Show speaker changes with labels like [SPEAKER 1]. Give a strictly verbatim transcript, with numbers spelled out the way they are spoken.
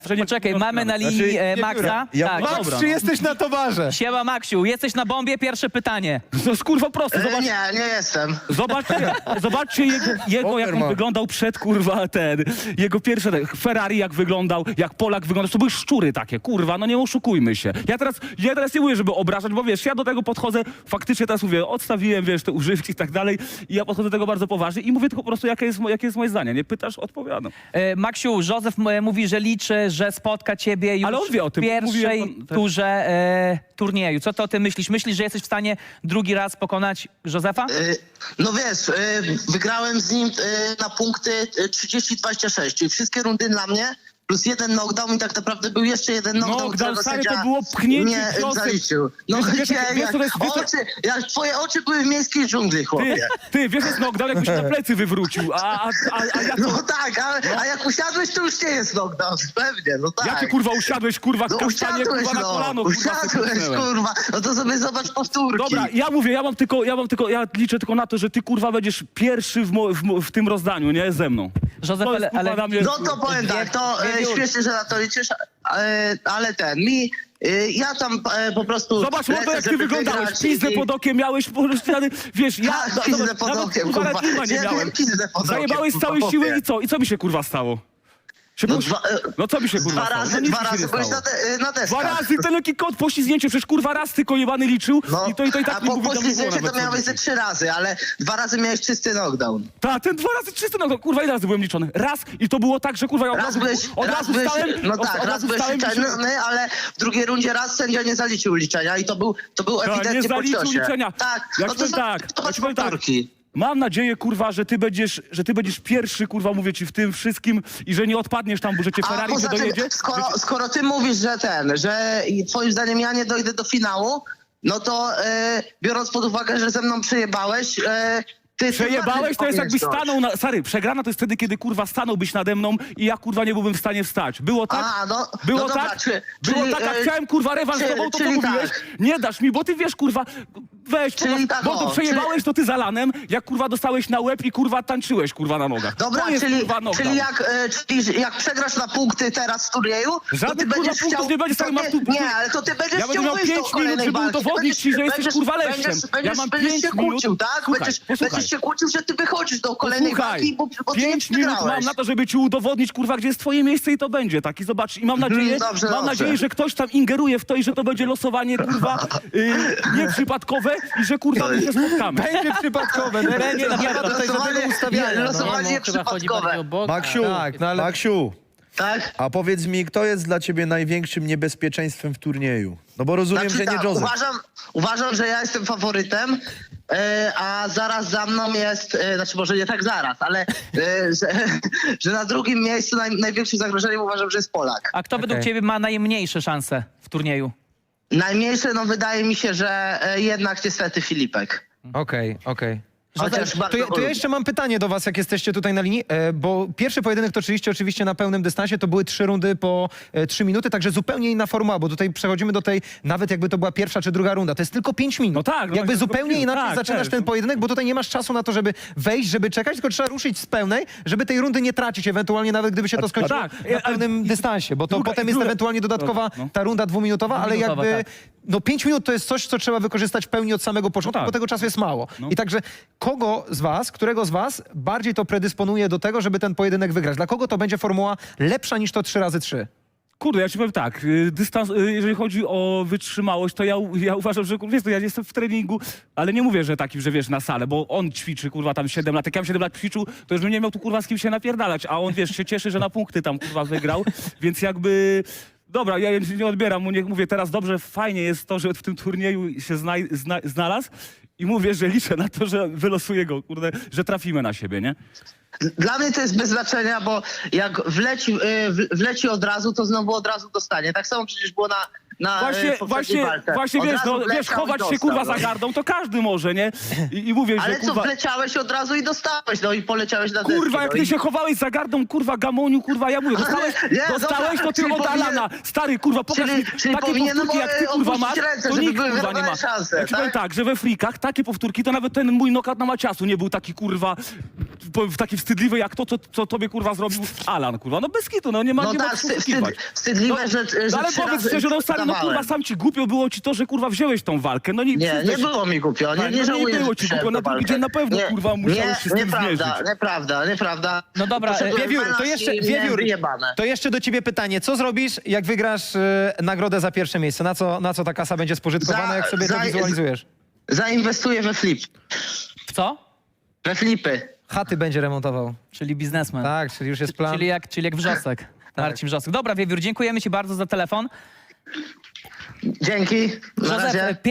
[SPEAKER 1] Poczekaj, mamy na linii
[SPEAKER 2] Znaczy,
[SPEAKER 1] e,
[SPEAKER 2] nie
[SPEAKER 1] Maxa.
[SPEAKER 2] biorę. Ja-
[SPEAKER 1] Tak,
[SPEAKER 2] Max,
[SPEAKER 1] dobra.
[SPEAKER 2] czy jesteś na towarze?
[SPEAKER 1] Siema Maksiu, jesteś na bombie? Pierwsze pytanie.
[SPEAKER 3] No skurwa prosto,
[SPEAKER 4] E,
[SPEAKER 3] zobacz,
[SPEAKER 4] nie, nie jestem.
[SPEAKER 3] zobaczcie, zobaczcie jego, jego jak on
[SPEAKER 2] Overman.
[SPEAKER 3] wyglądał przed, kurwa, ten, jego pierwsze, ten, Ferrari jak wyglądał, jak Polak wyglądał, to były szczury takie, kurwa, no nie oszukujmy się. Ja teraz, ja teraz nie mówię, żeby obrażać, bo wiesz, ja do tego podchodzę, faktycznie teraz mówię, odstawiłem, wiesz, te używki i tak dalej i ja podchodzę do tego bardzo poważnie i mówię tylko po prostu, jakie jest, mo- jakie jest moje zdanie, nie pytasz, odpowiadam.
[SPEAKER 1] E, Maksiu, Józef m- mówi, że liczy, że spotka ciebie już
[SPEAKER 3] Ale on wie o tym,
[SPEAKER 1] w pierwszej
[SPEAKER 3] mówiłem, tak.
[SPEAKER 1] turze e, turnieju. Co ty o tym myślisz? Myślisz, że jesteś w stanie drugi raz pokonać Józefa?
[SPEAKER 4] E, no wiesz, e, wygrałem z nim e, na punkty e, trzydzieści dwadzieścia sześć, czyli wszystkie rundy dla mnie, plus jeden knockdown i tak naprawdę był jeszcze jeden knockdown,
[SPEAKER 3] Knockdown,
[SPEAKER 4] którego
[SPEAKER 3] stary,
[SPEAKER 4] sędzia
[SPEAKER 3] to było pchnięcie
[SPEAKER 4] nie e,
[SPEAKER 3] ciosem.
[SPEAKER 4] zaliczył. No
[SPEAKER 3] Wiesz, wiesz,
[SPEAKER 4] gdzie,
[SPEAKER 3] wiesz,
[SPEAKER 4] jak,
[SPEAKER 3] co to jest- wiesz, co-
[SPEAKER 4] oczy, jak twoje oczy były w miejskiej dżungli,
[SPEAKER 3] Ty,
[SPEAKER 4] chłopie.
[SPEAKER 3] ty, wiesz, jest knockdown, jakbyś na plecy wywrócił, a, a, a, a ja co?
[SPEAKER 4] No tak, a, a jak usiadłeś, to już nie jest knockdown, pewnie, no tak.
[SPEAKER 3] Ja cię kurwa usiadłeś, kurwa,
[SPEAKER 4] No
[SPEAKER 3] kasztanie,
[SPEAKER 4] usiadłeś,
[SPEAKER 3] kurwa, na
[SPEAKER 4] no,
[SPEAKER 3] kolano, kurwa,
[SPEAKER 4] usiadłeś,
[SPEAKER 3] sekundnęłem.
[SPEAKER 4] kurwa, no to sobie zobacz powtórki.
[SPEAKER 3] Dobra, ja mówię, ja mam tylko, ja mam tylko, ja liczę tylko na to, że ty kurwa będziesz pierwszy w, mo, w, mo, w tym rozdaniu, nie? Ze mną.
[SPEAKER 1] Józef,
[SPEAKER 3] To jest,
[SPEAKER 1] ale,
[SPEAKER 3] kurwa,
[SPEAKER 1] ale
[SPEAKER 3] dla mnie-
[SPEAKER 4] No to powiem tak, to
[SPEAKER 1] Dwie-
[SPEAKER 4] e,
[SPEAKER 1] dwie-
[SPEAKER 4] śmiesznie, że na to liczysz, e, ale ten, mi, e, ja tam e, po prostu...
[SPEAKER 3] Zobacz,
[SPEAKER 4] lecę,
[SPEAKER 3] Łoto, jak ty
[SPEAKER 4] żeby
[SPEAKER 3] wyglądałeś,
[SPEAKER 4] wygrać
[SPEAKER 3] pizdę
[SPEAKER 4] i-
[SPEAKER 3] pod okiem miałeś, po prostu, wiesz, ja...
[SPEAKER 4] Tak,
[SPEAKER 3] no,
[SPEAKER 4] pizdę
[SPEAKER 3] zobacz,
[SPEAKER 4] pod
[SPEAKER 3] nawet,
[SPEAKER 4] okiem,
[SPEAKER 3] kurwa,
[SPEAKER 4] kurwa.
[SPEAKER 3] klima nie
[SPEAKER 4] Ja
[SPEAKER 3] miałem.
[SPEAKER 4] pizdę pod okiem,
[SPEAKER 3] Zajebałeś z
[SPEAKER 4] kurwa,
[SPEAKER 3] całej siły
[SPEAKER 4] chłopie.
[SPEAKER 3] i co? I co mi się kurwa stało? Się
[SPEAKER 4] No,
[SPEAKER 3] pusz-
[SPEAKER 4] dwa, e,
[SPEAKER 3] no co mi się kurwa
[SPEAKER 4] dwa
[SPEAKER 3] stało?
[SPEAKER 4] razy,
[SPEAKER 3] No nic
[SPEAKER 4] dwa
[SPEAKER 3] mi się
[SPEAKER 4] razy
[SPEAKER 3] nie
[SPEAKER 4] byłeś
[SPEAKER 3] stało.
[SPEAKER 4] na, te, na
[SPEAKER 3] Dwa
[SPEAKER 4] deskach.
[SPEAKER 3] razy ten lekki kot, poślizgnięcie, przecież kurwa raz tylko jebany liczył
[SPEAKER 4] No,
[SPEAKER 3] i to i to i tak
[SPEAKER 4] a
[SPEAKER 3] nie
[SPEAKER 4] po
[SPEAKER 3] mówi, tam nie było
[SPEAKER 4] poślizgnięcie
[SPEAKER 3] nawet
[SPEAKER 4] to miałeś
[SPEAKER 3] co
[SPEAKER 4] ze trzy razy, ale dwa razy miałeś czysty knockdown.
[SPEAKER 3] Tak, ten dwa razy czysty, no to kurwa ile razy byłem liczony? Raz i to było tak, że kurwa ja od
[SPEAKER 4] Raz
[SPEAKER 3] razu,
[SPEAKER 4] byłeś,
[SPEAKER 3] od
[SPEAKER 4] raz
[SPEAKER 3] razu
[SPEAKER 4] byłeś,
[SPEAKER 3] stałem,
[SPEAKER 4] no
[SPEAKER 3] od,
[SPEAKER 4] tak,
[SPEAKER 3] od
[SPEAKER 4] raz
[SPEAKER 3] razu
[SPEAKER 4] byłeś
[SPEAKER 3] stałem i się-
[SPEAKER 4] liczony, ale w drugiej rundzie raz sędzia nie zaliczył liczenia i to był, to był
[SPEAKER 3] Tak,
[SPEAKER 4] ewidentnie
[SPEAKER 3] nie
[SPEAKER 4] po
[SPEAKER 3] zaliczył
[SPEAKER 4] ciosie.
[SPEAKER 3] liczenia.
[SPEAKER 4] Tak,
[SPEAKER 3] Ja
[SPEAKER 4] no
[SPEAKER 3] ci
[SPEAKER 4] to
[SPEAKER 3] powiem tak,
[SPEAKER 4] to
[SPEAKER 3] ja ci powiem tak.
[SPEAKER 4] powtórki.
[SPEAKER 3] Mam nadzieję, kurwa, że ty będziesz, że ty będziesz pierwszy, kurwa, mówię ci w tym wszystkim i że nie odpadniesz tam, bo że cię
[SPEAKER 4] A
[SPEAKER 3] Ferrari
[SPEAKER 4] poza
[SPEAKER 3] nie dojedzie.
[SPEAKER 4] tym, skoro,
[SPEAKER 3] że cię-
[SPEAKER 4] skoro ty mówisz, że ten, że i twoim zdaniem ja nie dojdę do finału, no to e, biorąc pod uwagę, że ze mną przejebałeś, e, ty... ty
[SPEAKER 3] Przejebałeś,
[SPEAKER 4] bardziej
[SPEAKER 3] to jest jakbyś
[SPEAKER 4] powinieneś
[SPEAKER 3] stanął na... Stary, przegrana to jest wtedy, kiedy kurwa stanąłbyś nade mną i ja kurwa nie byłbym w stanie wstać. Było tak?
[SPEAKER 4] A, no-
[SPEAKER 3] było
[SPEAKER 4] no dobra,
[SPEAKER 3] tak?
[SPEAKER 4] czy-
[SPEAKER 3] było
[SPEAKER 4] czyli,
[SPEAKER 3] tak, a
[SPEAKER 4] e,
[SPEAKER 3] chciałem kurwa rewanż z
[SPEAKER 4] czy-
[SPEAKER 3] tobą, to co
[SPEAKER 4] czyli
[SPEAKER 3] mówiłeś?
[SPEAKER 4] tak.
[SPEAKER 3] Nie dasz mi, bo ty wiesz kurwa, weź,
[SPEAKER 4] Czyli
[SPEAKER 3] kurwa,
[SPEAKER 4] tak,
[SPEAKER 3] bo to
[SPEAKER 4] o,
[SPEAKER 3] przejebałeś,
[SPEAKER 4] czyli-
[SPEAKER 3] to ty za lanem, jak kurwa dostałeś na łeb i kurwa tańczyłeś kurwa na nogach.
[SPEAKER 4] Dobra,
[SPEAKER 3] to jest,
[SPEAKER 4] czyli,
[SPEAKER 3] kurwa, knockdown.
[SPEAKER 4] czyli, jak, e, czyli jak przegrasz na punkty teraz w turnieju, to
[SPEAKER 3] Żadnych,
[SPEAKER 4] ty
[SPEAKER 3] kurwa,
[SPEAKER 4] będziesz
[SPEAKER 3] punktów
[SPEAKER 4] chciał...
[SPEAKER 3] nie będzie,
[SPEAKER 4] to
[SPEAKER 3] stary, mam
[SPEAKER 4] ty,
[SPEAKER 3] tu-
[SPEAKER 4] nie, ale to ty będziesz
[SPEAKER 3] Ja będę
[SPEAKER 4] chciał
[SPEAKER 3] miał
[SPEAKER 4] wyjść do
[SPEAKER 3] pięć minut,
[SPEAKER 4] kolejnej
[SPEAKER 3] żeby
[SPEAKER 4] walki.
[SPEAKER 3] udowodnić ci, że jesteś,
[SPEAKER 4] będziesz,
[SPEAKER 3] kurwa, leszczem.
[SPEAKER 4] Będziesz,
[SPEAKER 3] Ja
[SPEAKER 4] będziesz,
[SPEAKER 3] mam
[SPEAKER 4] będziesz
[SPEAKER 3] pięć
[SPEAKER 4] się
[SPEAKER 3] minut.
[SPEAKER 4] kłócił, tak?
[SPEAKER 3] Słuchaj,
[SPEAKER 4] będziesz,
[SPEAKER 3] posłuchaj.
[SPEAKER 4] będziesz się kłócił, że ty wychodzisz do kolejnej
[SPEAKER 3] Słuchaj,
[SPEAKER 4] walki, bo, bo ty nie
[SPEAKER 3] pięć minut
[SPEAKER 4] przegrałeś.
[SPEAKER 3] mam na to, żeby ci udowodnić, kurwa, gdzie jest twoje miejsce i to będzie tak. I zobacz, i mam nadzieję,
[SPEAKER 4] dobrze,
[SPEAKER 3] mam
[SPEAKER 4] dobrze.
[SPEAKER 3] nadzieję, że ktoś tam ingeruje w to i że to będzie losowanie, kurwa, yy, nieprzypadkowe i że, kurwa, my się spotkamy.
[SPEAKER 2] Będzie przypadkowe. no
[SPEAKER 1] Będzie,
[SPEAKER 2] nie ma
[SPEAKER 1] naprawdę,
[SPEAKER 2] tutaj
[SPEAKER 4] losowanie-
[SPEAKER 2] żadnego ustawiania.
[SPEAKER 4] nie,
[SPEAKER 2] no.
[SPEAKER 4] losowanie-
[SPEAKER 5] Nie, no, chyba chodzi
[SPEAKER 4] przypadkowe.
[SPEAKER 5] bardziej o bok.
[SPEAKER 2] Maksiu,
[SPEAKER 5] Tak,
[SPEAKER 2] no ale... Maksiu,
[SPEAKER 4] Tak?
[SPEAKER 2] a powiedz mi, kto jest dla ciebie największym niebezpieczeństwem w turnieju? No bo rozumiem,
[SPEAKER 4] Znaczy
[SPEAKER 2] że nie
[SPEAKER 4] tak,
[SPEAKER 2] Józef.
[SPEAKER 4] uważam, uważam, że ja jestem faworytem, e, a zaraz za mną jest, e, znaczy może nie tak zaraz, ale e, że, że na drugim miejscu naj, największym zagrożeniem uważam, że jest Polak.
[SPEAKER 1] A kto według
[SPEAKER 2] Okej.
[SPEAKER 1] ciebie ma najmniejsze szanse w turnieju?
[SPEAKER 4] Najmniejsze, no wydaje mi się, że e, jednak niestety Filipek.
[SPEAKER 2] Okej, okej.
[SPEAKER 4] Chociaż bardzo
[SPEAKER 6] To ja,
[SPEAKER 4] go
[SPEAKER 6] to ja
[SPEAKER 4] lubię.
[SPEAKER 6] jeszcze mam pytanie do was, jak jesteście tutaj na linii, e, bo pierwszy pojedynek toczyliście oczywiście na pełnym dystansie, to były trzy rundy po e, trzy minuty, także zupełnie inna formuła, bo tutaj przechodzimy do tej, nawet jakby to była pierwsza czy druga runda, to jest tylko pięć minut.
[SPEAKER 3] No tak, no
[SPEAKER 6] jakby
[SPEAKER 3] tak,
[SPEAKER 6] zupełnie
[SPEAKER 3] tylko-
[SPEAKER 6] inaczej
[SPEAKER 3] tak,
[SPEAKER 6] zaczynasz
[SPEAKER 3] też,
[SPEAKER 6] ten
[SPEAKER 3] no.
[SPEAKER 6] pojedynek, bo tutaj nie masz czasu na to, żeby wejść, żeby czekać, tylko trzeba ruszyć z pełnej, żeby tej rundy nie tracić, ewentualnie nawet gdyby się to skończyło
[SPEAKER 3] tak,
[SPEAKER 6] na
[SPEAKER 3] a-
[SPEAKER 6] pełnym dystansie, bo to
[SPEAKER 3] druga-
[SPEAKER 6] potem
[SPEAKER 3] i
[SPEAKER 6] jest
[SPEAKER 3] druga-
[SPEAKER 6] ewentualnie dodatkowa
[SPEAKER 3] no.
[SPEAKER 6] ta runda dwuminutowa, ale
[SPEAKER 1] Dwuminutowa,
[SPEAKER 6] jakby
[SPEAKER 1] tak.
[SPEAKER 6] no pięć minut to jest coś, co trzeba wykorzystać w pełni od samego początku,
[SPEAKER 3] tak.
[SPEAKER 6] bo tego czasu jest mało.
[SPEAKER 3] No.
[SPEAKER 6] I także kogo z was, którego z was bardziej to predysponuje do tego, żeby ten pojedynek wygrać? Dla kogo to będzie formuła lepsza niż to trzy razy trzy?
[SPEAKER 3] Kurde, ja ci powiem tak, y, dystans, y, jeżeli chodzi o wytrzymałość, to ja, u- ja uważam, że kurwa, wiesz, to ja jestem w treningu, ale nie mówię, że takim, że wiesz, na salę, bo on ćwiczy, kurwa, tam siedem lat, jak ja bym siedem lat ćwiczył, to już bym nie miał tu, kurwa, z kim się napierdalać, a on, wiesz, się cieszy, że na punkty tam, kurwa, wygrał, więc jakby... Dobra, ja nie odbieram mu, niech mówię teraz dobrze, fajnie jest to, że w tym turnieju się znaj, zna, znalazł i mówię, że liczę na to, że wylosuję go, kurde, że trafimy na siebie, nie?
[SPEAKER 4] Dla mnie to jest bez znaczenia, bo jak wleci, y, w- wleci od razu, to znowu od razu dostanie. Tak samo przecież było na, na
[SPEAKER 3] Właśnie,
[SPEAKER 4] e, poprzedniej
[SPEAKER 3] właśnie,
[SPEAKER 4] walce.
[SPEAKER 3] właśnie
[SPEAKER 4] Od
[SPEAKER 3] wiesz,
[SPEAKER 4] razu
[SPEAKER 3] no, wiesz,
[SPEAKER 4] wleciał i
[SPEAKER 3] chować się
[SPEAKER 4] dostał,
[SPEAKER 3] kurwa
[SPEAKER 4] no.
[SPEAKER 3] za gardą, to każdy może, nie? I, i mówię,
[SPEAKER 4] Ale
[SPEAKER 3] że
[SPEAKER 4] co,
[SPEAKER 3] kurwa...
[SPEAKER 4] wleciałeś od razu i dostałeś, no i poleciałeś na deski.
[SPEAKER 3] Kurwa, jak
[SPEAKER 4] no
[SPEAKER 3] ty
[SPEAKER 4] i...
[SPEAKER 3] się chowałeś za gardą, kurwa, gamoniu, kurwa, ja mówię, dostałeś,
[SPEAKER 4] Nie,
[SPEAKER 3] dostałeś
[SPEAKER 4] dobra,
[SPEAKER 3] to ty
[SPEAKER 4] czyli
[SPEAKER 3] od
[SPEAKER 4] powinien-
[SPEAKER 3] Alana. Stary, kurwa, pokaż
[SPEAKER 4] Czyli-
[SPEAKER 3] mi
[SPEAKER 4] czyli
[SPEAKER 3] takie
[SPEAKER 4] powinienem,
[SPEAKER 3] powtórki, jak ty,
[SPEAKER 4] e,
[SPEAKER 3] kurwa,
[SPEAKER 4] opuścić
[SPEAKER 3] masz,
[SPEAKER 4] ręce,
[SPEAKER 3] to
[SPEAKER 4] żeby
[SPEAKER 3] nikt,
[SPEAKER 4] były
[SPEAKER 3] kurwa, nie ma.
[SPEAKER 4] wyrównane szanse,
[SPEAKER 3] Ja ci powiem
[SPEAKER 4] tak?
[SPEAKER 3] tak, że we frikach takie powtórki, to nawet ten mój nokat na Maciasu nie był taki, kurwa, w- taki wstydliwy jak to, co, co tobie, kurwa, zrobił Alan, kurwa. No bez kitu, no nie ma,
[SPEAKER 4] No
[SPEAKER 3] nie ma
[SPEAKER 4] tak,
[SPEAKER 3] co
[SPEAKER 4] wstyd,
[SPEAKER 3] oszukiwać.
[SPEAKER 4] wstyd, wstydliwe, że, że
[SPEAKER 3] No ale
[SPEAKER 4] trzy
[SPEAKER 3] powiedz
[SPEAKER 4] razy
[SPEAKER 3] szczerze, no stary, no kurwa,
[SPEAKER 4] dawałem.
[SPEAKER 3] sam ci głupio było ci to, że kurwa wziąłeś tą walkę. No nie,
[SPEAKER 4] Nie, nie
[SPEAKER 3] przyznaj się-
[SPEAKER 4] było mi głupio, nie,
[SPEAKER 3] Tak,
[SPEAKER 4] nie
[SPEAKER 3] no nie
[SPEAKER 4] żałuję,
[SPEAKER 3] było
[SPEAKER 4] że
[SPEAKER 3] ci
[SPEAKER 4] przyszedłem
[SPEAKER 3] głupio, na
[SPEAKER 4] do
[SPEAKER 3] drugi
[SPEAKER 4] walki.
[SPEAKER 3] dzień na pewno, kurwa, musiałeś się z tym
[SPEAKER 4] nieprawda,
[SPEAKER 3] zmierzyć.
[SPEAKER 4] nieprawda, nieprawda.
[SPEAKER 1] No dobra,
[SPEAKER 4] Poszedłem
[SPEAKER 1] e,
[SPEAKER 6] Wiewiór,
[SPEAKER 4] w
[SPEAKER 6] to
[SPEAKER 4] melanż
[SPEAKER 6] jeszcze,
[SPEAKER 4] i miałem
[SPEAKER 6] Wiewiór,
[SPEAKER 4] wyjebane.
[SPEAKER 6] to jeszcze do ciebie pytanie. Co zrobisz, jak wygrasz e, nagrodę za pierwsze miejsce? Na co, na co ta kasa będzie spożytkowana,
[SPEAKER 4] Za-
[SPEAKER 6] jak sobie to
[SPEAKER 4] za-
[SPEAKER 6] wizualizujesz?
[SPEAKER 4] Zainwestuję we flip,
[SPEAKER 1] W co?
[SPEAKER 4] we flipy.
[SPEAKER 6] Chaty będzie remontował.
[SPEAKER 1] Czyli biznesmen.
[SPEAKER 6] Tak, czyli już jest plan.
[SPEAKER 1] Czyli jak, czyli jak Wrzosek. Marcin Wrzosek. Dobra, Wiewiór, dziękujemy ci bardzo za telefon.
[SPEAKER 4] Dzięki, na
[SPEAKER 1] Józef,
[SPEAKER 4] razie.